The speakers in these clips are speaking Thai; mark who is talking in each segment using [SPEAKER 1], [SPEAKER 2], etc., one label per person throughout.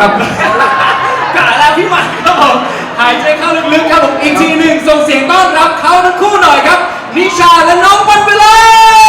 [SPEAKER 1] ครับ
[SPEAKER 2] กะแล้วพี่หมันครับผมหายใจเข้าลึกๆครับผมอีกทีหนึ่งส่งเสียงต้อนรับเขาทั้งคู่หน่อยครับนิชาและน้องวันเวลา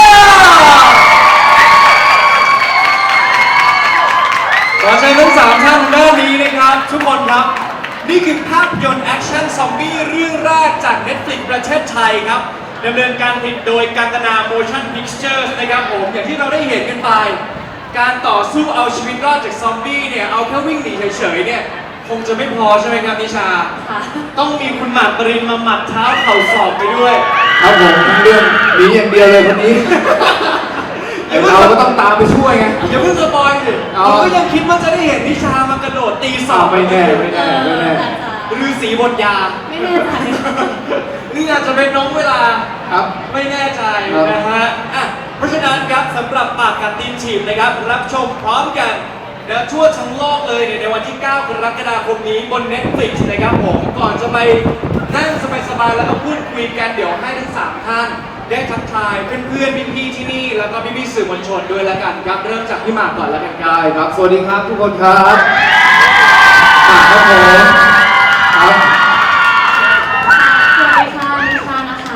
[SPEAKER 2] ขอเชิญทั้งสามท่านด้านนี้นะครับทุกคนครับนี่คือภาพยนตร์แอคชั่นซอมบี้เรื่องแรกจาก Netflix ประเทศไทยครับดำเนินการผลิตโดยกังกนา Motion Pictures นะครับผมอย่างที่เราได้เห็นกันไปการต่อสู้เอาชีวิตรอดจากซอมบี้เนี่ยเอาแค่วิ่งหนีเฉยๆเนี่ยคงจะไม่พอใช่ไหมครับนิชาต้องมีคุณหมากปรินมาหมัดเท้าเข่าศอกไปด้วย
[SPEAKER 1] ครับผมทั้งเรื่องหนีอย่างเดียวเลยคนนี้แต่เราก็ต้องตามไปช่วยไง
[SPEAKER 2] อย่าเพิ่งสปอยสิผมก็ยังคิดว่าจะได้เห็นนิชามากระโดดตีศอก
[SPEAKER 1] ไม่แน่
[SPEAKER 2] ฤาษีบนยา
[SPEAKER 3] ไม่แน่ใจ
[SPEAKER 2] นี่อาจจะเป็นน้องเวลา
[SPEAKER 1] ครับ
[SPEAKER 2] ไม่แน่ใจนะฮะเพราะฉะนั้นครับสำหรับปากกัดตีนฉีบนะครับรับชมพร้อมกันนะทั่วทั้งโลกเลยในวันที่ 9 กรกฎาคมนี้บน Netflix นะครับผมก่อนจะไปนั่งสบายๆแล้วก็พูดคุยกันเดี๋ยวให้ทั้ง3ท่านได้ทักทายเพื่อนๆพี่ๆที่นี่แล้วก็พี่ๆสื่อมวลชนด้วยแล้วกันครับเริ่มจากพี่หมากก่อนแล้วกัน
[SPEAKER 1] ได้ครับสวัสดีครับทุกคนครับครับผมครับ
[SPEAKER 3] สวัสดีค่ะนิชานะคะ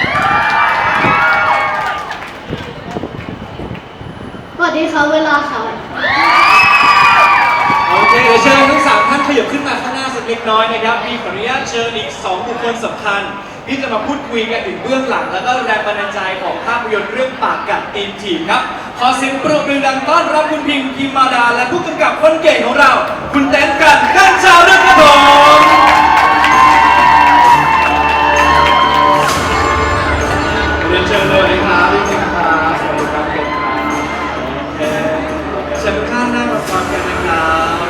[SPEAKER 3] สวัสดีค่ะเวลาค่ะ
[SPEAKER 2] โอเคเดี๋ยวเชิญทั้ง3ท่านขยับขึ้นมาข้างหน้าสักเล็กน้อยนะครับมีขออนุญาตเชิญอีก2บุคคลสำคัญที่จะมาพูดคุยกันถึงเบื้องหลังแล้วก็แรงบันดาลใจของภาพยนตร์เรื่องปากกัดตีนถีบครับขอเสียงปรบมือดังต้อนรับคุณพิมพ์พิมมาดาและผู้กำกับคนเก่งของเราคุณเต้นกันข้างชาวเรื่องครับผมเรียนเชิญเลยครับพี่พิมพ์ครับสวัสดีครับเก่งครับเชิญทุกท่านนั่งมาฟังกันนะครับ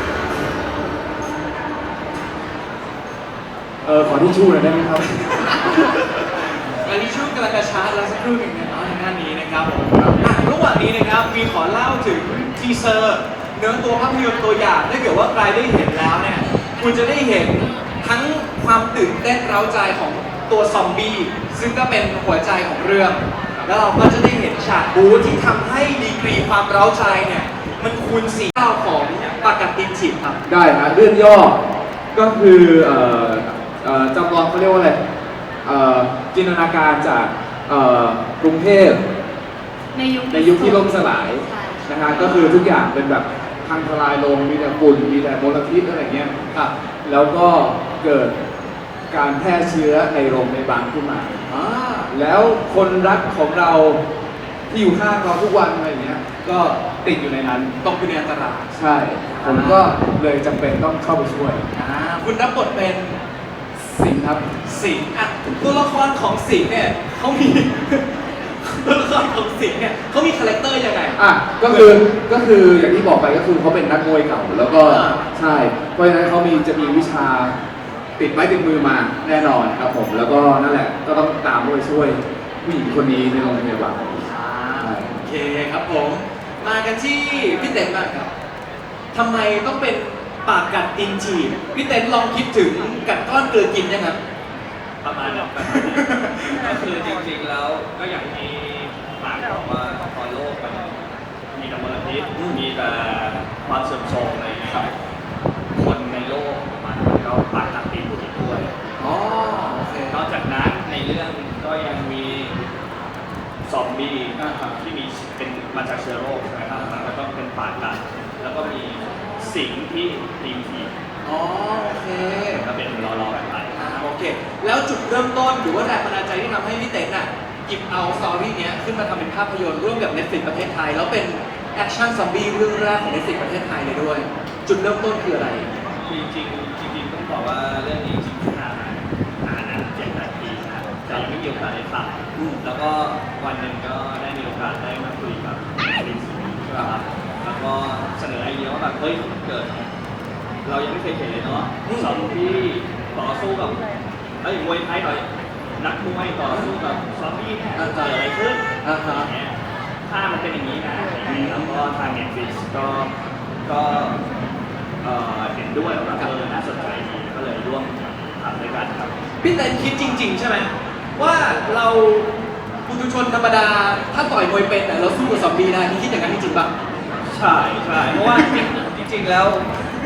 [SPEAKER 1] ขอที่ชู่หน่อยได้ไหมครับ
[SPEAKER 2] อันนี้ช่วงกำลังจะชาร์จแล้วสักครู่หนึ่งนะครับในหน้านี้นะครับผมระหว่างนี้นะครับมีขอเล่าถึงทีเซอร์เนื้อตัวภาพยนตร์ตัวอย่างถ้าเกิดว่าใครได้เห็นแล้วเนี่ยคุณจะได้เห็นทั้งความตื่นเต้นเร้าใจของตัวซอมบี้ซึ่งก็เป็นหัวใจของเรื่องแล้วเราก็จะได้เห็นฉากบู๊ที่ทำให้ดีกรีความเร้าใจเนี่ยมันคูณ4 เท่าของปากกัดตีนถีบครับ
[SPEAKER 1] ได้นะเรื่องย่อก็คือจำลองเขาเรียกว่าอะไรจินตนาการจากกรุงเทพในยุคที่ล่มสลายนะฮะก็คือทุกอย่างเป็นแบบพังทลายลงมีแต่ฝุ่นมีแต่มลพิษอะไรเงี้ยครับแล้วก็เกิดการแพร่เชื้อในโรงพยาบาลขึ้นมาแล้วคนรักของเราที่อยู่ข้างเราทุกวันอะไรเงี้ยก็ติดอยู่ในนั้น
[SPEAKER 2] ตกอยู่ในอันตราย
[SPEAKER 1] ใช่ผมก็เลยจำเป็นต้องเข้าไปช่วย
[SPEAKER 2] คุณรับบทเป็น
[SPEAKER 1] สิงห์ครับ
[SPEAKER 2] สิงห์ตัวละครของสิงห์เนี่ยเขามีตัวละครของสิงห์เนี่ยเขามีคาแรคเตอร์ยังไง
[SPEAKER 1] ก็คืออย่างที่บอกไปก็คือเขาเป็นนักมวยเก่าแล้วก็ใช่เพราะฉะนั้นเขาจะมีวิชาติดไม้ติดมือมาแน่นอนครับผมแล้วก็นั่นแหละก็ต้องตามไปช่วยผู้หญิงคนนี้ในโรงพยาบาล
[SPEAKER 2] โอเคครับผมมากันที่พี่เต็มบ้างครับทำไมต้องเป็นปากกัดตีนถีบพี่เต้นลองคิดถึงกัดก้อนเกลือกินยังครับ
[SPEAKER 4] ประมาณนั้นก็คือจริงๆแล้วก็อย่างที่หมากบอกว่าตอนโลกมันมีแต่มลพิษมีแต่ความเสื่อมโทรมอะไรอย่างเงี้ยคนในโลกมันก็ปากกัดตีนถีบด้วยนอกจากนั้นในเรื่องก็ยังมีซอมบี้ที่มีเป็นมาจากเชื้อโรคใช่ไหมครับแล้วก็เป็นปากกัดแล้วก็มีสิ่งที่ตีนถีบ
[SPEAKER 2] โอเค
[SPEAKER 4] ก็เป็นรอแบบนั้น
[SPEAKER 2] โอเคแล้วจุดเริ่มต้นหรือว่าแรงบันดาลใจที่ทำให้พี่เต้นหยิบเอาสตอรี่นี้ขึ้นมาทำเป็นภาพยนตร์ร่วมกับ Netflix ประเทศไทยแล้วเป็นแอคชั่นซอมบี้เรื่องแรกของ Netflix ประเทศไทยเลยด้วยจุดเริ่มต้นคืออะไร
[SPEAKER 4] จริงต้องบอกว่าเรื่องนี้จริงๆนานนะ7-8 ปีนะแต่ยังไม่มีโอกาสได้ทำแล้วก็วันหนึ่งก็ได้มีโอกาสได้มาคุยกับลินซี่ใช่ไหมครับแล้วก็เสนอไอเดียว่าแบบเฮ้ยเกิดเรายังไม่เคยเห็นเลยเนาะซอมบี้ต่อสู้กับมวยไทยหน่อยนักมวยต่อสู้กับซอมบี้เนี่ยเกิดอะไรขึ้นถ้ามันเป็นอย่างนี้นะแล้วก็ทาง Netflix ก็เห็นด้วยว่าน่าสนใจดีก็เลยร่วมทำด้วยกันครับ
[SPEAKER 2] พี่เต้นคิดจริงๆใช่ไหมว่าเราปุถุชนธรรมดาถ้าต่อยมวยเป็นเราสู้กับซอมบี้ได้พี่คิดอย่างนั้นจริงๆป่ะ
[SPEAKER 4] ใช่เพราะว่าจริงๆแล้ว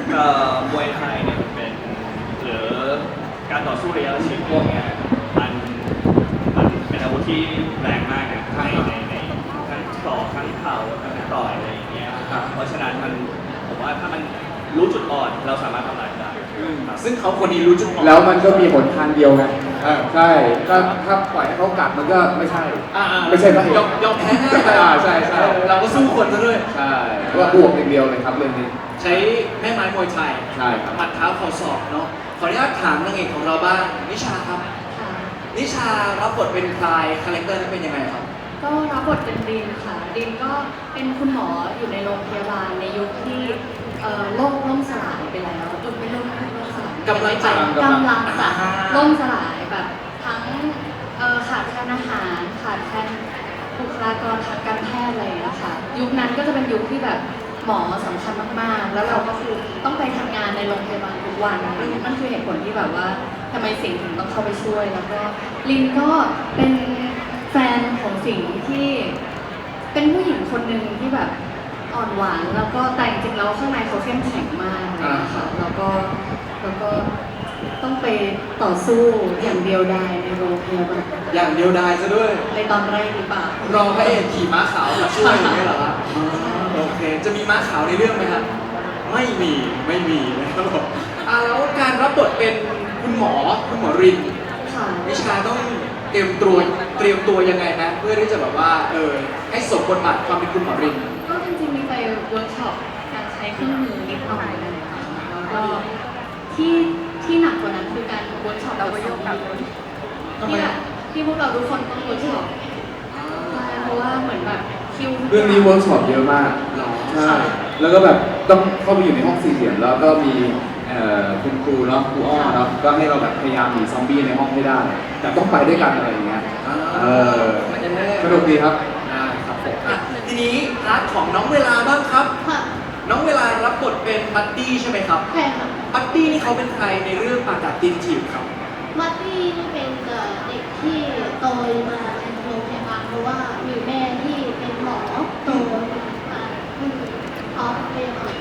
[SPEAKER 4] มวยไทยเนี่ยมันเป็นหรือการต่อสู้ระยะประชิดพวกเนี้ยมันมันเป็นอาวุธที่แรงมากนะในทั้งศอกทั้งเข่าทั้งต่อยอะไรอย่างเงี้ยเพราะฉะนั้นมันผมว่าถ้ามันรู้จุดอ่อนเราสามารถทำลายได้ครับ
[SPEAKER 2] ซึ่งเขาคนนี้รู้จุดอ่อน
[SPEAKER 1] แล้วมันก็มีหนทางเดียวไง ใช่ก็
[SPEAKER 2] ครับ
[SPEAKER 1] ถ้าปล่อยให้เขากัดมันก็ไม่ใช่
[SPEAKER 2] ๆ
[SPEAKER 1] ไม่ใช่พระเอก
[SPEAKER 2] ยอมแพ้ง่ายไป
[SPEAKER 1] ใช่ใช่
[SPEAKER 2] เราก็สู้คนซะด้วย
[SPEAKER 1] ใช่ว่าบวกอย่างเดียวเลยครับเรื่องนี้
[SPEAKER 2] ใช้แม่ไม้มวยไทย
[SPEAKER 1] ใช่ครับ
[SPEAKER 2] หมัดเท้าเข่าศอกเนาะขออนุญาตถามนางเอกของเราบ้างนิชาครับ
[SPEAKER 3] ค่ะ
[SPEAKER 2] นิชารับบทเป็นใครคาแรคเตอร์นั้นเป็นยังไงครับ
[SPEAKER 3] ก็รับบทเป็นดินค่ะดินก็เป็นคุณหมออยู่ในโรงพยาบาลในยุคที่โลกล่มสลายไปแล้วไม่ล่มสลาย
[SPEAKER 2] กำลังจะ
[SPEAKER 3] กำลังจะ
[SPEAKER 2] อ่า
[SPEAKER 3] ล่มสลายแบบทั้งขาดแคลนอาหารขาดแคลนบุคลากรทางการแพทย์อะไรอย่างเงี้ยค่ะยุคนั้นก็จะเป็นยุคที่แบบหมอสำคัญมากๆ แล้วเราก็คือต้องไปทำงานในโรงพยาบาลทุกวันนั่นคือเหตุผลที่แบบว่าทำไมสิงห์ถึงต้องเข้าไปช่วย แล้วก็ลินก็เป็นแฟนของสิงห์ที่เป็นผู้หญิงคนหนึ่งที่แบบอ่อนหวานแล้วก็แต่จริงๆแล้วข้างในเขาเข้มแข็งมากเลยนะคะแล้วก็ต้องไปต่อสู้อย่างเดียวดายในโรงพยาบาล
[SPEAKER 2] อย่างเดียวดายซะด้วย
[SPEAKER 3] ในตอนแรกหรือเปล่าร
[SPEAKER 2] อพระเอกขี่ม้าขาวมาช่วยอย่างนี้เหรอครับโอเค จะมีม้าขาวในเรื่องไหมครับ ไม่มีนะครับผมแล้วการรับบทเป็นคุณหมอริน
[SPEAKER 3] ค่ะ
[SPEAKER 2] นิชาต้องเตรียมตัวยังไงนะเพื่อที่จะแบบว่าให้สมบทบาทความเป็นคุณหมอริน
[SPEAKER 3] ก็จริงๆมีไปเวิร์กช็อปการใช้เครื่องมือนิดหน่อยนะคะแล้วก็ที่หนักกว่านั้นคือการเวิร์กช็อปเราก็ยกกับ
[SPEAKER 2] ทำไม
[SPEAKER 3] ที่พวกเราทุกคนต้องเวิร์กช็อปใช่เพราะว่าเหมือนแบบคิวทุก
[SPEAKER 1] เรื่องนี้เวิร์กช็อปเยอะมาก
[SPEAKER 2] หรอ
[SPEAKER 1] ใช่ แล้วก็แบบต้องเข้าไปอยู่ในห้องสี่เหลี่ยมแล้วก็มีคุณครูเนาะครูอ้อเนาะก็ให้เราแบบพยายามหนีซอมบี้ในห้องให้ได้ แต่ต้องไปด้วยกันอะไรอย่างเงี้ยสนุกดีครับ
[SPEAKER 2] ได้ครับผมอ่ะทีนี้พาร์ทของน้องเวลาบ้างครับ
[SPEAKER 3] ค่ะ
[SPEAKER 2] น้องเวลารับบทเป็นบัดดี้ใช่ไหมครับ
[SPEAKER 3] ใช่ค่ะ
[SPEAKER 2] บัดดี้นี่เขาเป็นใครในเรื่องปากกัดตีนถีบครับ
[SPEAKER 5] มัตตี้นี่เป็นเด็กที่โตมาในโรงพยาบาลเพราะว่ามีแม่ที่เป็นหมอโตมาอ๋อพยาบาล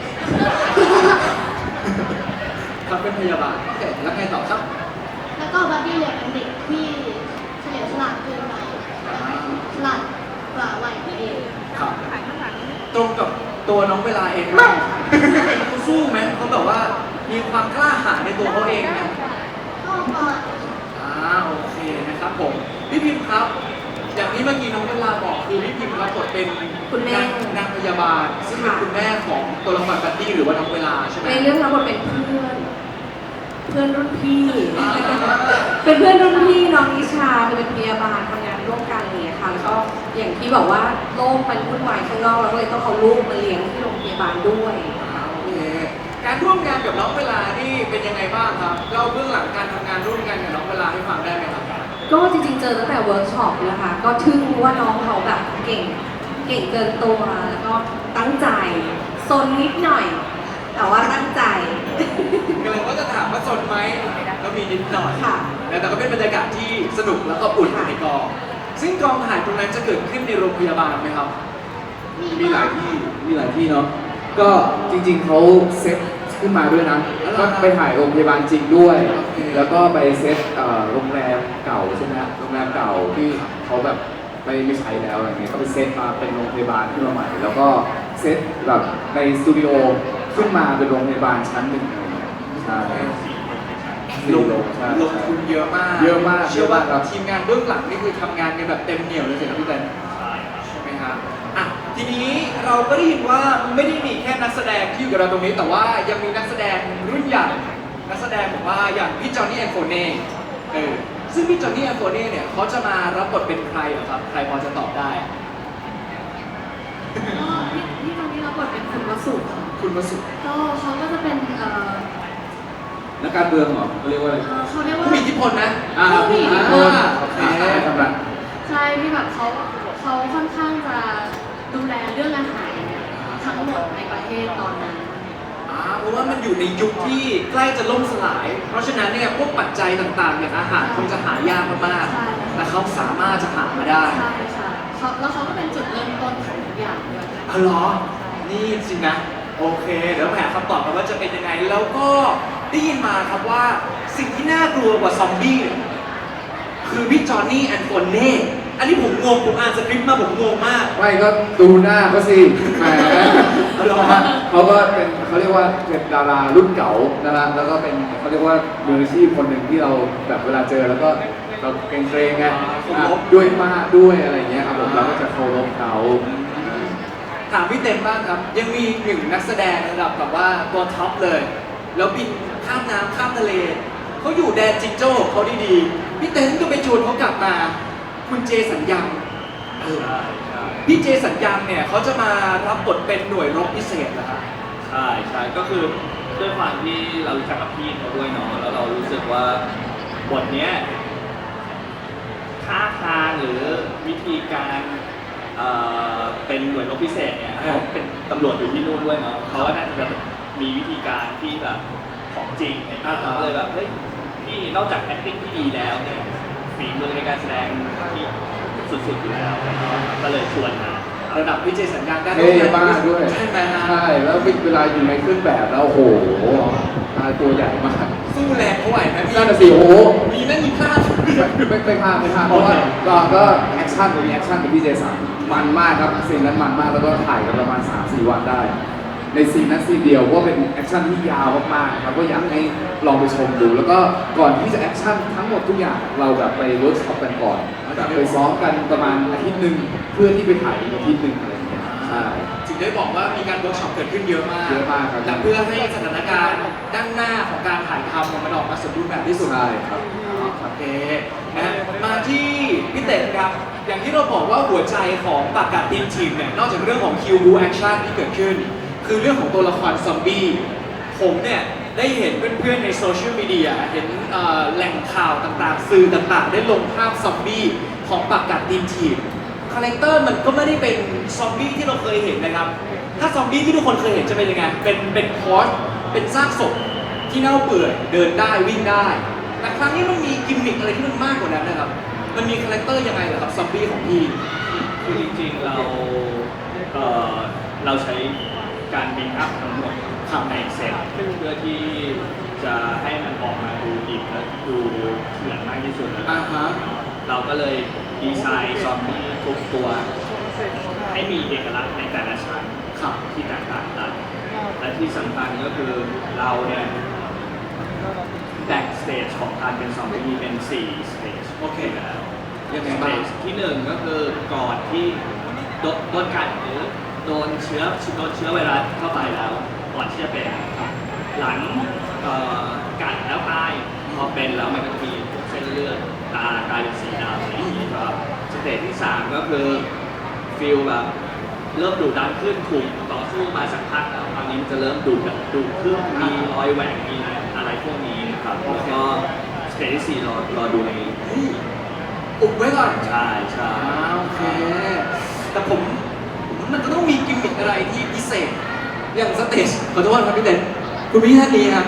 [SPEAKER 2] ครับเป็นพยาบาลโอเคแล้วไงต่อครับ
[SPEAKER 5] แล้วก็บัตตี้เนี่ยเป็นเด็กที่เฉลียวฉลาดเกินไปฉลาดกว่าวัยตัวเอง
[SPEAKER 2] ครับตรงกับตัวน้องเวลาเองไหมเขาสู้ไหมเขาแบบว่ามีความกล้าหาญในตัวเขาเองไหม
[SPEAKER 5] ก็ประมาณ
[SPEAKER 2] โอเคนะครับผมพี่พิมพ์ครับ อย่างที่เมื่อกี้น้องเวลาบอกคือพี่พิมพ์รับบทเป็น
[SPEAKER 3] คุณแม่
[SPEAKER 2] นางพยาบาล ซึ่งเป็นคุณแม่ของตัวละครบัดดี้หรือว่าน้องเวลาใช่ไหม
[SPEAKER 3] ในเรื่องรับบทเป็นเพื่อนรุ่นพี่ เป็นเพื่อนรุ่นพี่น้องนิชาคือเป็นพยาบาลทำงานร่วมกันอะไรอย่างเลยค่ะแล้วก็อย่างที่บอกว่าโลกมันวุ่นวายข้างนอกเราก็เลยต้องเอาลูกมาเลี้ยงที่โรงพยาบาลด้วย
[SPEAKER 2] โอเคการร่วมงานกับน้องเวลานี่เป็นยังไงบ้างครับเล่าเบื้องหลังการทำงานร่วมกันกับน้องเวลาให้ฟังได้ไหมครับ
[SPEAKER 3] ก็จริงๆเจอตั้งแต่เวิร์กช็อปนะคะ ก็ทึ่งว่าน้องเขาแบบเก่งเกินตัวแล้วก็ตั้งใจซนนิดหน่อย แต่ว่าตั้งใจ
[SPEAKER 2] กำลังว่าจะถามว่าสนไหมก็มีนิดหน่อย
[SPEAKER 3] ค่ะ
[SPEAKER 2] แต่ก็เป็นบรรยากาศที่สนุกแล้วก็อุ่นในกอง ซึ่งกองถ่ายตรงนั้นจะเกิดขึ้นในโรงพยาบาลไหมครับ
[SPEAKER 1] มีหลายที่เนาะ ก็จริงๆเขาเซตขึ้นมาด้วยนะ ก็ไปถ่ายโรงพยาบาลจริงด้วย
[SPEAKER 2] โอเค
[SPEAKER 1] แล้วก็ไปเซตโรงแรมเก่าใช่ไหมฮะโรงแรมเก่าที่เขาแบบไม่ใช้แล้วอะไรเงี้ย ก็ไปเซตมาเป็นโรงพยาบาลขึ้นมาใหม่ แล้วก็เซตแบบในสตูดิโอขึ้นมาเป็นโรงพยาบาลชั้นหนึ่งอะไรเงี้ยใช่
[SPEAKER 2] ลง
[SPEAKER 1] ใช่
[SPEAKER 2] ลงทุนเยอะมาก
[SPEAKER 1] เยอะมาก
[SPEAKER 2] เชื่อว่า
[SPEAKER 1] เยอะมากครับ
[SPEAKER 2] ทีมงานเบื้องหลังนี่คือทำงานกันแบบเต็มเหนี่ยวเลยสิครับพี่เต้นใช่ไหมฮะอ่ะทีนี้เราก็ได้ยินว่าไม่ได้มีแค่นักแสดงที่อยู่กับเราตรงนี้ แต่ว่ายังมีนักแสดงรุ่นใหญ่นักแสดงบอกว่าอย่างพี่จอห์นนี่แอนโฟเน่ซึ่งพี่จอห์นนี่แอนโฟเน่เนี่ยเขาจะมารับบทเป็นใครเหรอครับใครพอจะตอบได้
[SPEAKER 3] ก็ที่ตอนนี้เราบทเป็นคุณวสุค่ะ
[SPEAKER 2] คุณวสุ
[SPEAKER 3] ก็เขาก็จะเป็น
[SPEAKER 1] นักการเมืองเหรอเขาเรียกว่าอะไร
[SPEAKER 3] เขาเรียกว่า
[SPEAKER 2] ผู้มีอิทธิพลนะ
[SPEAKER 3] ผู้มีอิทธิพล
[SPEAKER 2] โอเค
[SPEAKER 1] ทำไร
[SPEAKER 3] ใช่ที่แบบเขาค่อนข้างจะดูแลเรื่องอาหารทั้งหมดในประเทศตอนนั้น
[SPEAKER 2] เพราะว่ามันอยู่ในยุคที่ใกล้จะล่มสลาย เพราะฉะนั้นเนี่ยพวกปัจจัยต่างๆอย่างอาหารคงจะหายากมาก
[SPEAKER 3] ใช่
[SPEAKER 2] ๆแต่เขาสามารถจะหามาได้
[SPEAKER 3] ใช่ค่ะแล้วเขาก็เป็นจุดเริ่มต้นของทุกอย่างด้วย
[SPEAKER 2] อ๋อเหรอ นี่จริงนะโอเค เดี๋ยวมาหาคำตอบกันว่าจะเป็นยังไง แล้วก็ได้ยินมาครับว่าสิ่งที่น่ากลัวกว่าซอมบี้เนี่ยคือพี่จอห์นนี่แอนโฟเน่อันนี้ผมงง ผมอ่านสคริปต์มาผมงงมาก
[SPEAKER 1] ไม่ก็ดูหน้าเขาสิแหม
[SPEAKER 2] เหรอ
[SPEAKER 1] เขาก็เป็นเขาเรียกว่าเป็นดารารุ่นเก่านะฮะแล้วก็เป็นเขาเรียกว่ามืออาชีพคนหนึ่งที่เราแบบเวลาเจอแล้วก็เราเกรงๆไงด้วยมากด้วยอะไรอย่างเงี้ยครับผมเราก็จะเคารพเขา
[SPEAKER 2] ถามพี่เต็มบ้างครับ ยังมีหนึ่งนักแสดงระดับแบบว่าตัวท็อปเลย แล้วบินข้ามน้ำข้ามทะเล เขาอยู่แดนจิงโจ้ของเขาดีๆ พี่เต็มก็ไปชวนเขากลับมา คุณเจสัญญัง
[SPEAKER 4] ใช่ใช่
[SPEAKER 2] พี่เจสัญญังเนี่ยเขาจะมารับบทเป็นหน่วยรบพิเศษนะครับ
[SPEAKER 4] ใช่ใช่ก็คือด้วยความที่เรารู้จักกับพี่เขาด้วยเนาะแล้วเรารู้สึกว่าบทเนี้ยท่าทางหรือวิธีการเป็นหน่วยรบพิเศษเนี่ยเขาเป็นตำรวจอยู่ที่นู่นด้วยเนาะเขาก็น่าจะแบบมีวิธีการที่แบบของจริงเนี่ยเราก็เลยแบบเฮ้ยพี่นอกจาก acting ที่ดีแล้วเนี่ยฝีมือในการแสดงที่สุดๆอยู่แล้วก็เลยชวนมา
[SPEAKER 2] ระดับพี่เจสัญญังได้
[SPEAKER 1] เท่มากด้วย
[SPEAKER 2] ใช่ไหมฮะ
[SPEAKER 1] ใช่แล้วเวลาอยู่ในเครื่องแบบแล้วโอ้โหตัวใหญ่มาก
[SPEAKER 2] สู้แรงเขาไหวไหมพี่
[SPEAKER 1] นั่นน่ะสิโอ้โห
[SPEAKER 2] มีไหมมีพลาด
[SPEAKER 1] ไม่พลาดเพราะว่าก็แอคชั่นมีแอคชั่นเป็นพี่เจสันมันมากครับซีนนั้นมันมากแล้วก็ถ่ายกันประมาณ 3-4 วันได้ ในซีนนั้นซีนเดียวก็เป็นแอคชั่นที่ยาวมากๆครับก็อยากให้ลองไปชมดู แล้วก็ก่อนที่จะแอคชั่นทั้งหมดทุกอย่างเราแบบไปเวิร์กช็อปกันก่อนแบบไปซ้อมกันประมาณอาทิตย์หนึ่งเพื่อที่ไปถ่ายอีกอาทิตย์หนึ่งอะไรอย่างเงี้ยใช่
[SPEAKER 2] ถึงได้บอกว่ามีการเวิร์กช็อปเกิดขึ้นเยอะมาก
[SPEAKER 1] เยอะมากครับ
[SPEAKER 2] และเพื่อให้สถานการณ์ด้านหน้าของการถ่ายทำมันออกมาสมบูรณ์แบบที่สุด
[SPEAKER 1] ใช่ครับ
[SPEAKER 2] โอเคนะมาที่พี่เต็นครับ อย่างที่เราบอกว่าหัวใจของปากกาทีมทีมเนี่ยนอกจากเรื่องของคิวบูแอคชั่นที่เกิดขึ้น คือเรื่องของตัวละครซอมบี้ผมเนี่ยได้เห็นเพื่อนๆในโซเชียลมีเดียเห็นแหล่งข่าวต่างๆ สื่อต่างๆ ได้ลงภาพซอมบี้ของปากกาทีมทีมคาแรคเตอร์มันก็ไม่ได้เป็นซอมบี้ที่เราเคยเห็นนะครับ ถ้าซอมบี้ที่ทุกคนเคยเห็นจะเป็นยังไง เป็นคอร์สเป็นซากศพที่เน่าเปื่อยเดินได้วิ่งได้ แต่ครั้งนี้มันมีกิมมิคอะไรที่มันมากกว่านั้นนะครับ มันมีคาแรคเตอร์ยังไงเหรอครับซอมบี้ของพี่
[SPEAKER 4] คือจริงๆเราใช้การบินอัพทั้งหมดทำในเซตเพื่อที่จะให้มันออกมาดูดิบและดูเถื่อนมากที่สุด
[SPEAKER 2] อ่าฮะ
[SPEAKER 4] เราก็เลยดีไซน์ซอมบี้ทุกตัว ให้มีเอกลักษณ์ในแต่ละชั้น
[SPEAKER 2] ครับ
[SPEAKER 4] ที่แตกต่างกันและที่สำคัญก็คือเราเนี่ยแบ่งสเตจของการเป็นซอมบี้เป็น4สเตจ
[SPEAKER 2] โอเค
[SPEAKER 4] แล้ว
[SPEAKER 2] ยังไง
[SPEAKER 4] สเต
[SPEAKER 2] บ้าง
[SPEAKER 4] จที่1ก็คือก่อนที่โดนกัดหรือโดนเชื้อไวรัสเข้าไปแล้วก่อนที่จะเป็นหลังกัดแล้วตายพอเป็นแล้วมันก็จะมีเส้นเลือดตากลายเป็นสีดำอะไรอย่างนี้ครับสเตจที่3ก็คือฟีลแบบเริ่มดุดันขึ้นถูกต่อสู้มาสักพักแล้วตอนนี้มันจะเริ่มดุขึ้นมีรอยแหว่งมีอะไรพวกนี้นะครับแล้วก็สเตจที่4รอดูใน
[SPEAKER 2] อุบไว้ก่อน
[SPEAKER 4] ใช่ใช่
[SPEAKER 2] โอเค แต่ผมมันจะต้องมีกิมมิคอะไรที่พิเศษ อย่างสเตจขอโทษครับพี่เต้นคุณพี่ท่านนี้ครับ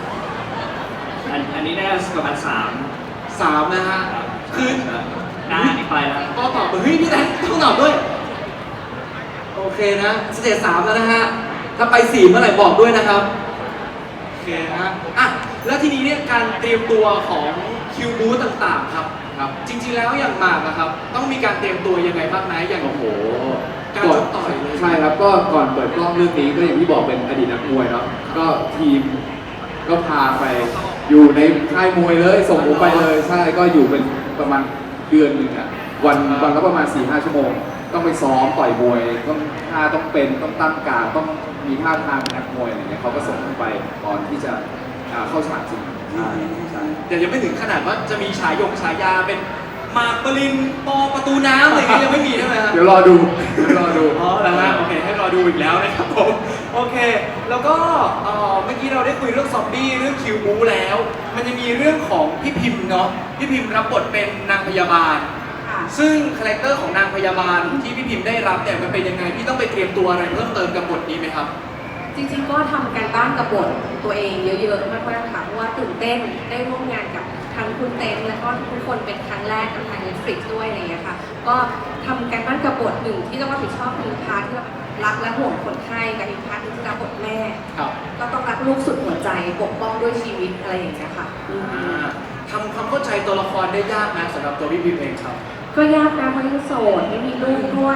[SPEAKER 4] อันนี้ได้ประมาณ
[SPEAKER 2] 3นะฮะ คือ
[SPEAKER 4] หน้านี่ไปแล้ว
[SPEAKER 2] ก็ตอบเฮ้ยพี่เต้นต้องตอบด้วย โอเคนะสเตจ3แล้วนะฮะ ถ้าไป4เมื่อไหร่บอกด้วยนะครับ โอเคนะฮะอ่ะแล้วทีนี้เนี่ยการเตรียมตัวของคิวบูต่างๆครับ
[SPEAKER 1] ครับ
[SPEAKER 2] จริงๆแล้วอย่างหมากนะครับ ต้องมีการเตรียมตัวยังไงบ้างไหมอย่าง
[SPEAKER 1] โอ้โห
[SPEAKER 2] การชกต่อยเลย
[SPEAKER 1] ใช่ครับก็ก่อนเปิดกล้องเรื่องนี้ก็อย่างที่บอกเป็นอดีตนักมวยเนาะก็ทีมก็พาไปอยู่ในค่ายมวยเลยส่งผมไปเลยใช่ก็อยู่เป็นประมาณเดือนหนึ่งอะวันละประมาณ 4-5 ชั่วโมง ต้องไปซ้อมต่อยมวยต้องท่าต้องเป็นต้องตั้งการต้องมีท่าทางเป็นนักมวยอะไรเงี้ยเขาก็ส่งผมไปก่อนที่จะเข้าฉากจริงใช่ใช่
[SPEAKER 2] แต่ยังไม่ถึงขนาดว่าจะมีฉายาเป็นหมากปรินปอประตูน้ำอะไรอย่างเงี้ยยังไม่มีใช่ไหมครับ
[SPEAKER 1] เดี๋ยวรอดูเดี๋ยวรอดู
[SPEAKER 2] อ๋อแล้วฮะโอเคให้รอดูอีกแล้วนะครับผมโอเค แล้วก็เมื่อกี้เราได้คุยเรื่องซอมบี้เรื่องคิวบูแล้ว มันจะมีเรื่องของพี่พิมพ์เนาะพี่พิมพ์รับบทเป็นนางพยาบาล ซึ่งคาแรคเตอร์ของนางพยาบาลที่พี่พิมพ์ได้รับเนี่ยมันเป็นยังไงพี่ต้องไปเตรียมตัวอะไรเพิ่มเติมกับบทนี้ไหมครับ
[SPEAKER 6] จริงๆ ก็ทำการบ้านกับบทตัวเองเยอะๆ มากๆ ค่ะ เพราะว่าตื่นเต้นได้ร่วมงานกับทั้งคุณเต้นและก็ทุกคนเป็นครั้งแรกกับทาง Netflix ด้วยอะไรอย่างเงี้ยค่ะ ก็ทำการบ้านกับบทหนึ่งที่ต้องรับผิดชอบคือพาร์ทที่เรารักและห่วงคนไข้กับอีกพาร์ทหนึงที่รับบทแม่
[SPEAKER 2] ครับ
[SPEAKER 6] ก็ต้องรักลูกสุดหัวใจปกป้องด้วยชีวิตอะไรอย่างเงี้ยค่ะ
[SPEAKER 2] ทำความเข้าใจตัวละครได้ยากนะสำหรับตัวพี่พิมเองครับ
[SPEAKER 6] ก็ยากนะเพราะยังโสดไม่มีลูกด้วย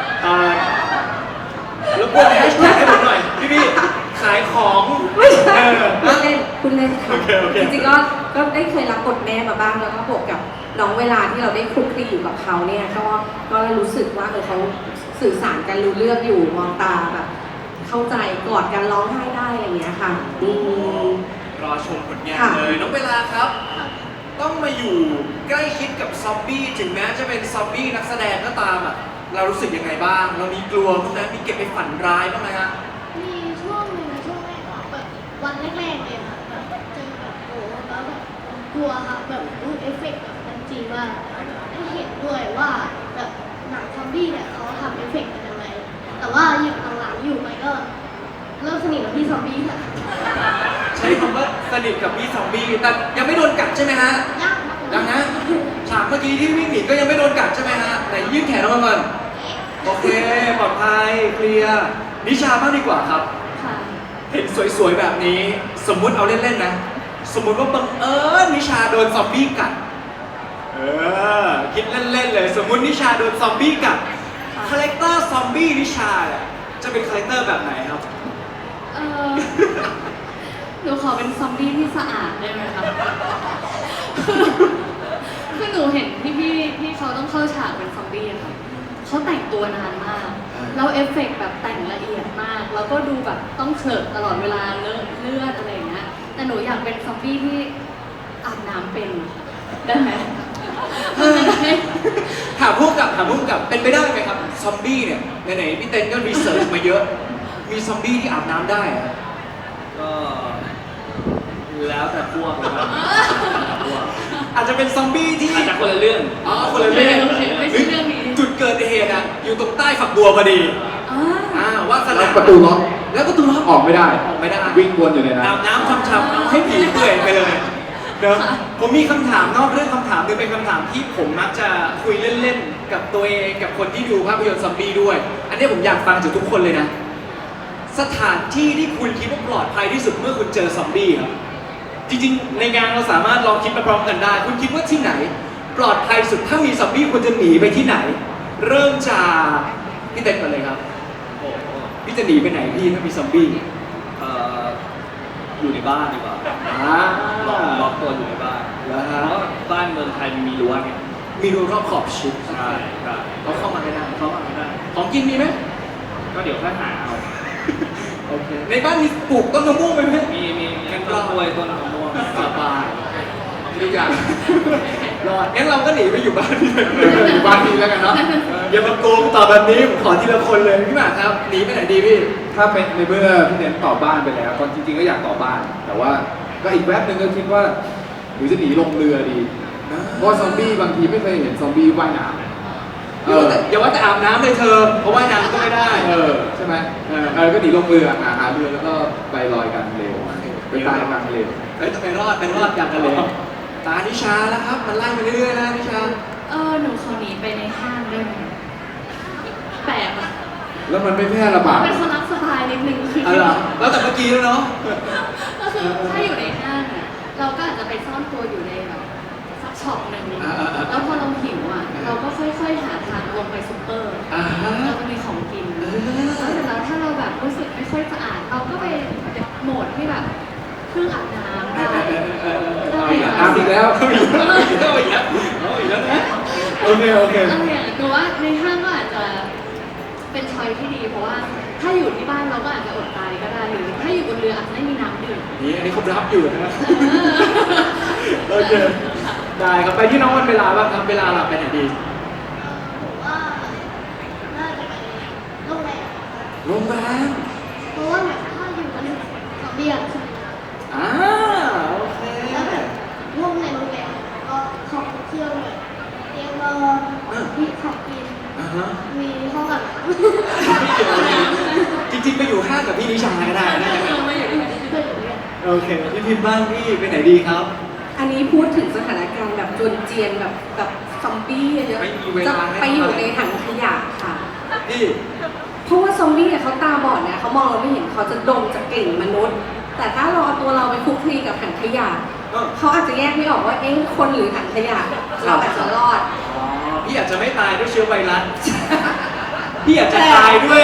[SPEAKER 2] รบกวนแฮชแท็กให้ผมหน่อยพี่ขายของ
[SPEAKER 6] ไม่ใช่
[SPEAKER 2] เออ
[SPEAKER 6] คุณเล่นค่ะ
[SPEAKER 2] โอเคโอเค
[SPEAKER 6] จริงๆก็ได้เคยรับบทแม่มาบ้างแล้วก็บวกกับน้องเวลาที่เราได้คลุกคลีอยู่กับเขาเนี่ยก็รู้สึกว่าเขาสื่อสารกันรู้เรื่องอยู่มองตาแบบเข้าใจกอดกันร้องไห้ได้อย่างเงี้ยค่ะม
[SPEAKER 2] รอชมผลงาน
[SPEAKER 6] ค่ะ
[SPEAKER 2] เลยน้องเวลาครับ ต้องมาอยู่ใกล้ชิดกับซอมบี้ถึงแม้จะเป็นซอมบี้นักแสดงก็ตามอ่ะเรารู้สึกยังไงบ้าง เรามีกลัวบ้างไหมมีเก็บไปฝันร้ายบ้างไหมฮะ
[SPEAKER 5] มีช่วงหนึ่งช่วงแรกอะแบบวันแรกๆเลยค่ะแบบเจอแบบโอ้แล้วแบบกลัวค่ะแบบเอฟเฟกต์แบบมันจริงมากได้เห็นด้วยว่าแบบหนังซอมบี้เนี่ยเขาทำเอฟเฟกต์กันยังไงแต่ว่าอย่างหลังๆอยู่ไปก็เริ่มสนิทกับพี่ซอมบี้ค่ะ
[SPEAKER 2] ใช้คำว่าสนิทกับพี่ซอมบี้แต่ยังไม่โดนกัดใช่ไหมฮะ
[SPEAKER 5] ยากมาก
[SPEAKER 2] ยังนะฉากเมื่อกี้ที่วิ่งหนีก็ยังไม่โดนกัดใช่ไหมฮะไหนยื่นแขนออกมาก่อนโอเคปลอดภัยเคลียร์นิชาบ้างดีกว่าครับ
[SPEAKER 3] ค่ะ
[SPEAKER 2] เห็นสวยๆแบบนี้ สมมุติเอาเล่นๆนะ สมมุติว่าบังเอิญนิชาโดนซอมบี้กัดคิดเล่นๆเลย สมมุตินิชาโดนซอมบี้กัดคาแรคเตอร์ซอมบี้นิชาเนี่ยจะเป็นคาแรคเตอร์แบบไหนครับ
[SPEAKER 3] เออ หนูขอเป็นซอมบี้ที่สะอาดได้ไหมคะ คือหนูเห็นพี่ที่เขาต้องเข้าฉากเป็นซอมบี้อะค่ะเขาแต่งตัวนานมาก แล้วเอฟเฟกต์แบบแต่งละเอียดมาก แล้วก็ดูแบบต้องเฉิดตลอดเวลาเลือดอะไรอย่างเงี้ย แต่หนูอยากเป็นซอมบี้ที่อาบน้ำเป็น ได้ไหมได้ไหม
[SPEAKER 2] ถามผู้กำกับเป็นไปได้ไหมครับ ซอมบี้เนี่ยไหนๆพี่เต้นก็รีเสิร์ชมาเยอะ มีซอมบี้ที่อาบน้ำได้อะ
[SPEAKER 4] ก็แล้วแต่พวกนะครับพวก
[SPEAKER 2] อาจจะเป็นซอมบี้ที่
[SPEAKER 4] อาจจะคนละเรื่อง
[SPEAKER 2] อ๋อคนละเรื่อง
[SPEAKER 3] โอเคไม่ใช่เรื่องนี้
[SPEAKER 2] จุดเกิดเหตุอะอยู่ตรงใต้ฝักบัวพอดี
[SPEAKER 3] อ่า
[SPEAKER 2] ว่าส
[SPEAKER 1] แล้
[SPEAKER 2] นาว ม
[SPEAKER 1] ประตูล็อก
[SPEAKER 2] แล้วประตูล็อก
[SPEAKER 1] ออกไม่ได้
[SPEAKER 2] ออกไม่ได้
[SPEAKER 1] วิ่งวนอยู่ในนั้น
[SPEAKER 2] อาบน้ำช่ำๆเอาให้ผีเปื่อยไปเลยเนอะผมมีคำถามนอกเรื่องคำถามหนึงเป็นคำถามที่ผมมักจะคุยเล่นๆกับตัวเองกับคนที่ดูภาพยนตร์ซอมบี้ด้วย อันนี้ผมอยากฟังจากทุกคนเลยนะ สถานที่ที่คุณคิดว่าปลอดภัยที่สุดเมื่อคุณเจอซอมบี้ครับ จริงๆ ในงานเราสามารถลองคิดไปพร้อมกันได้ คุณคิดว่าที่ไหน ปลอดภัยสุดถ้ามีซอมบี้คุณจะหนีไปที่ไหน เริ่มจากพี่เต้นก่อนเลยครับ
[SPEAKER 4] โอ้โห
[SPEAKER 2] พี่จะหนีไปไหนพี่ถ้ามีซอมบี้
[SPEAKER 4] เอ่ออยู่ในบ้านดีกว่า ล็อกตัวอยู่ในบ้าน
[SPEAKER 2] แล้ว
[SPEAKER 4] เพ
[SPEAKER 2] ฮะ
[SPEAKER 4] ราะบ้านเมืองไทยมันมีรั้วไง
[SPEAKER 2] มีรูรอบขอบชิด
[SPEAKER 4] ใช่ใช่
[SPEAKER 2] เขาเข้ามาไม่ได้
[SPEAKER 4] เข้ามาไม่ได้
[SPEAKER 2] ของกินมีไหม
[SPEAKER 4] ก็เดี๋ยวค่อยหาเอา
[SPEAKER 2] โอเคในบ้านมีปลูกต้นมะม่วงไหมพี่
[SPEAKER 4] มีต้นกล้วยต้นมะม่วง
[SPEAKER 2] สบายทุกอย่างรอดงั้นเราก็หนีไปอยู่บ้านพี่
[SPEAKER 1] อยู่บ้านพี่แล้วกันเนาะ
[SPEAKER 2] อย่ามาโกงตอบแบบนี้ผมขอทีละคนเลยพี่หมากครับหนีไปไหนดีพี่
[SPEAKER 1] ถ้าเป็นในเมื่อพี่เน้นตอบบ้านไปแล้วตอนจริงๆก็อยากตอบบ้าน แต่ว่าก็อีกแวบหนึ่งก็คิดว่าหรือจะหนีลงเรือดี เพราะซอมบี้บางทีไม่เคยเห็นซอมบี้ว่ายน้ำ
[SPEAKER 2] อย่าว่าแต่อาบน้ำเลยเธอ เพราะว่ายน้ำก็ไม่ได้
[SPEAKER 1] ใช่ไหมก็หนีลงเรือหาเรือแล้วก็ไปลอยกันเร็วไปตายกลางทะเล
[SPEAKER 2] เฮ้ยจะไปรอดอย่างกันเลยตานิชาแล้วครับ มันไล่มาเรื่อยๆนะนิชา
[SPEAKER 3] หนูขอหนีไปในห้างได้ไหมแปลกอะ
[SPEAKER 1] แล้วมันไม่แพร่ระบาด
[SPEAKER 3] เป็นคนรักสบายนิดนึงคือ
[SPEAKER 2] อะไรแล้วแต่เมื่อกี้แล้วเนาะ
[SPEAKER 3] ก็คือถ้าอยู่ในห้างอะเราก็อาจจะไปซ่อนตัวอยู่ในแบบสักช็อปหนึ่งแล้วพอเราหิวอะเราก็ค่อยๆหาทางลงไปซุปเปอร์
[SPEAKER 2] อ่าฮะ
[SPEAKER 3] เราจะมีของกินแล้วเสร็จแล้วถ้าเราแบบรู้สึกไม่ค่อยสะอาด เราก็ไปโหมดที่แบบเครื่องอาบน้ำได้
[SPEAKER 1] อาบอีกแล้ว
[SPEAKER 2] เอาอีกแล้วนะโอเค
[SPEAKER 3] อะไรอย่างเงี้ยหนูว่าในห้างก็อาจจะเป็นช้อยที่ดี เพราะว่าถ้าอยู่ที่บ้านเราก็อาจจะอดตายก็ได้หรือถ้าอยู่บนเรืออาจจะไม่มีน้ำดื่ม
[SPEAKER 2] นี่อันนี้เขารับอยู่นะโอเคได้ครับไปที่น้องวันเวลาบ้างครับเวลาหลับไปไหนดี
[SPEAKER 5] ผมว่าน่าจะไปโรงแรม
[SPEAKER 2] โรงแรม
[SPEAKER 5] เพราะว่าแบบถ้าอยู่กันซอมบี้อะใช่ไหมคะ
[SPEAKER 2] โอเค
[SPEAKER 5] แล้วแบบร่วมในโรงแรมก็ของเที่ยวแบบเตียงนอน มีของกิน
[SPEAKER 2] อ่าฮะ
[SPEAKER 5] มีห้องอาบน้
[SPEAKER 2] จริงๆไปอยู่ห้างกับพี่นิชาก็ได้นะ
[SPEAKER 5] ำไม่อยู่ด้วย
[SPEAKER 2] โอเคพี่พิมพ์บ้างพี่ไปไหนดีครับ
[SPEAKER 6] อันนี้พูดถึงสถานการณ์แบบจวนเจียนแบบซอมบี้เยอะ
[SPEAKER 2] ไม่มีเวลา
[SPEAKER 6] จะไปอยู่ในถังขยะค่ะ
[SPEAKER 2] พี่ผ
[SPEAKER 6] เพราะว่าซอมบี้เนี่ยเขาตาบอดเนี่ยเขามองเราไม่เห็นเขาจะดมจากกลิ่นมนุษย์ แต่ถ้าเราเอาตัวเราไปคลุกคลีกับถังขยะเขาอาจจะแยกไม่ออกว่าเอ๊ะคนหรือถังขยะเราอาจจะรอด
[SPEAKER 2] อ๋อพี่อาจจะไม่ตายด้วยเชื้อไวรัส พี่อาจจะตายด้วย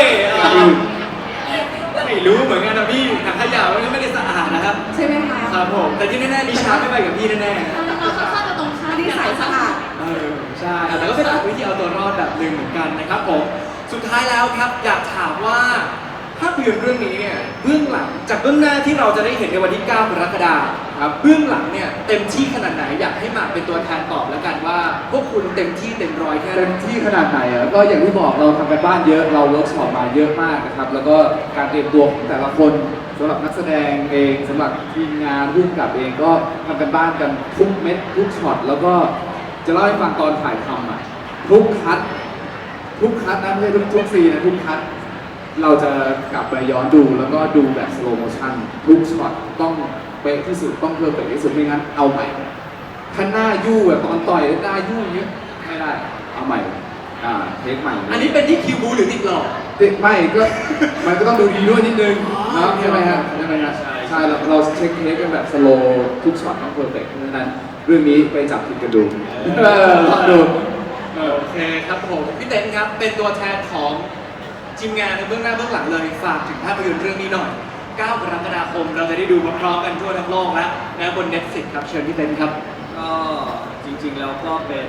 [SPEAKER 2] ไม่รู้เหมือนกันนะพี่ถังขยะมันก็ไม่ได้สะอาดนะครับ
[SPEAKER 6] ใช่ไหมคะ
[SPEAKER 2] ครับผมแต่ที่แน่ๆนิชาไม่ไปกับพี่แน่ๆ
[SPEAKER 5] เราค่อนข้างจะตรงข้าม
[SPEAKER 6] ที่ใส่สะอาด
[SPEAKER 2] ใช่แต่ก็เป็นวิธีเอาตัวรอดแบบหนึ่งเหมือนกันนะครับผมสุดท้ายแล้วครับอยากถามว่าภาพยนตร์เรื่องนี้เนี่ยเบื้องหลังจากเบื้องหน้าที่เราจะได้เห็นในวันที่ 9 กรกฎาคมครับเบื้องหลังเนี่ยเต็มที่ขนาดไหนอยากให้หมากเป็นตัวแทนตอบแล้วกันว่าพวกคุณเต็มที่เต็มร้อยแค่ไห
[SPEAKER 1] เต็
[SPEAKER 2] น
[SPEAKER 1] มที่ขนาดไหนอ่ะก็อย่างที่บอกเราทำกันบ้านเยอะเราเวิร์กช็อปมาเยอะมากนะครับแล้วก็การเตรียมตัวของแต่ละคนสำหรับนักแสดงเองสำหรับทีมงานผู้กำกับเองก็ทำกันบ้านกันทุกเม็ดทุกช็อตแล้วก็จะเล่าให้ฟังตอนถ่ายทำอ่ะทุกคัดนะไม่ใช่ทุกซีนนะทุกคัดเราจะกลับไปย้อนดูแล้วก็ดูแบบสโลโมชั่นทุกช็อตต้องเป๊ะที่สุดต้องเพอร์เฟกต์ที่สุดไม่งั้นเอาใหม่ถ้าหน้ายู่แบบตอนต่อยแล้วหน้ายู่อย่างเงี้ยไม่ได้เอาใหม่เทคใหม่
[SPEAKER 2] อันนี้เป็นที่คิวบูหรือติดหลอก
[SPEAKER 1] ไม่ก็มันก็ต้องดูดีด้วยนิดนึงนะใช่ไหมฮะใช่เราเช็คเทคกันแบบสโลทุกช็อตต้องเพอร์เฟกต์เพราะฉะนั้นเรื่องนี้ไปจับผิดกันดูลองดู
[SPEAKER 2] โอเคครับผมพี่เต้นครับเป็นตัวแทนของทีมงานในเบื้องหน้าเบื้องหลังเลยฝากถึงภาพยนตร์เรื่องนี้หน่อย 9 กรกฎาคมเราจะได้ดูพร้อมๆกันทั่วทั้งโลกแล้วนะบน Netflix ครับเชิญพี่เต้นครับ
[SPEAKER 4] ก็จริงๆแล้วก็เป็น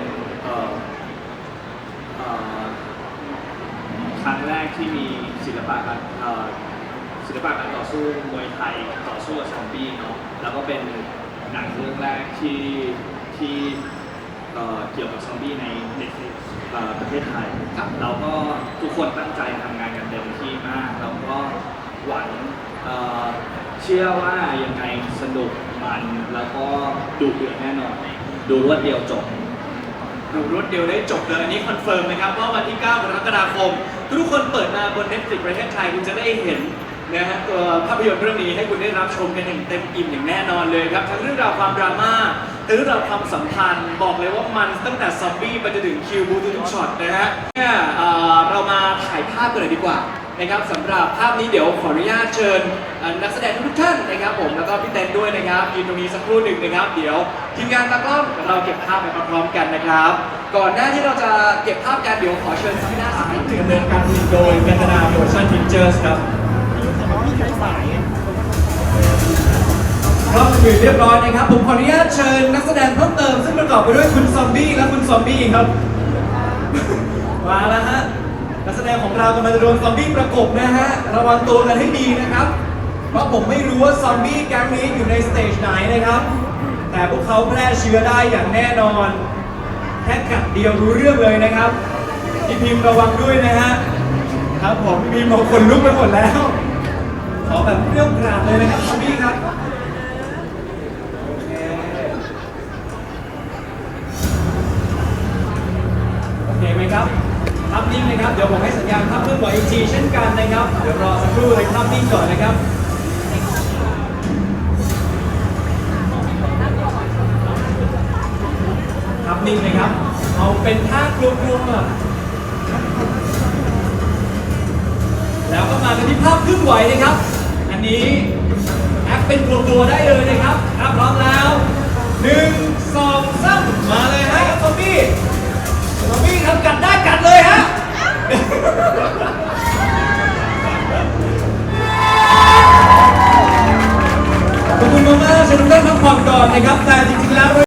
[SPEAKER 4] ครั้งแรกที่มีศิลปะการต่อสู้มวยไทยต่อสู้กับซอมบี้เนาะแล้วก็เป็นหนังเรื่องแรกที่เกี่ยวกับซอมบี้ในประเทศไทย
[SPEAKER 2] ครับ
[SPEAKER 4] เราก็ทุกคนตั้งใจทำงานกันเต็มที่มากแล้วก็หวังเชื่อว่ายังไงสนุกมันแล้วก็ดุเดือดแน่นอนดูรวดเดียวจบ
[SPEAKER 2] ดูรวดเดียวได้จบเลยอันนี้คอนเฟิร์มนะครับว่าวันที่ 9 กรกฎาคมทุกคนเปิดมาบน Netflix ประเทศไทยคุณจะได้เห็นนะฮะตัวภาพยนตร์เรื่องนี้ให้คุณได้รับชมกันอย่างเต็มอิ่มอย่างแน่นอนเลยครับทั้งเรื่องราวความดราม่าทั้งเรื่องราวความสัมพันธ์บอกเลยว่ามันตั้งแต่ซอมบี้ไปจนถึงคิวบูทุกช็อตนะฮะเนี่ยเรามาถ่ายภาพกันเลยดีกว่านะครับสำหรับภาพนี้เดี๋ยวขออนุญาตเชิญนักแสดงทุกท่านนะครับผมแล้วก็พี่เต้นด้วยนะครับยืนตรงนี้สักครู่หนึ่งนะครับเดี๋ยวทีมงานตากล้องเราเก็บภาพไปพร้อมๆกันนะครับก่อนหน้าที่เราจะเก็บภาพกันเดี๋ยวขอเชิญทางด้านซ้ายดำเนินการโดยกันตนาโปรดักชั่นพิกเจอร์สครับพร้อมอยู่เรียบร้อยนะครับผมขออนุญาตเชิญนักแสดงเพิ่มเติมซึ่งประกอบไปด้วยคุณซอมบี้และคุณซอมบี้ครับ มาแล้วฮะนักแสดงของเรากำลังจะโดนซอมบี้ประกบนะฮะระวังตัวกันให้ดีนะครับ เพราะผมไม่รู้ว่าซอมบี้แก๊งนี้อยู่ในสเตจไหนนะครับ แต่พวกเขาแพร่เชื้อได้อย่างแน่นอนแค่กัดเดียวรู้เรื่องเลยนะครับพี่พิมพ์ระวังด้วยนะฮะครับผมพี่พิมพ์บอกคนลุกไปหมดแล้วขอแบบเปรี้ยวกราดเลยนะครับซอมบี้ครับโอเคโอเคไหมครับภาพนิ่งนะครับเดี๋ยวผมให้สัญญาณภาพเคลื่อนไหวอีกทีเช่นกันนะครับเดี๋ยวรอสักครู่เลยภาพนิ่งก่อนนะครับภาพนิ่งนะครับเอาเป็นท่ากลัวๆแล้วก็มากันที่ภาพเคลื่อนไหวนะครับอันนี้แอปเป็นกลัวๆได้เลยนะครับถ้าพร้อมแล้ว1 2 3มาเลยฮะซอมบี้ครับกัดได้กัดเลยฮะ ขอบคุณมากๆเชิญทุกท่านพักผ่อนก่อนนะครับแต่จริงๆแล้ว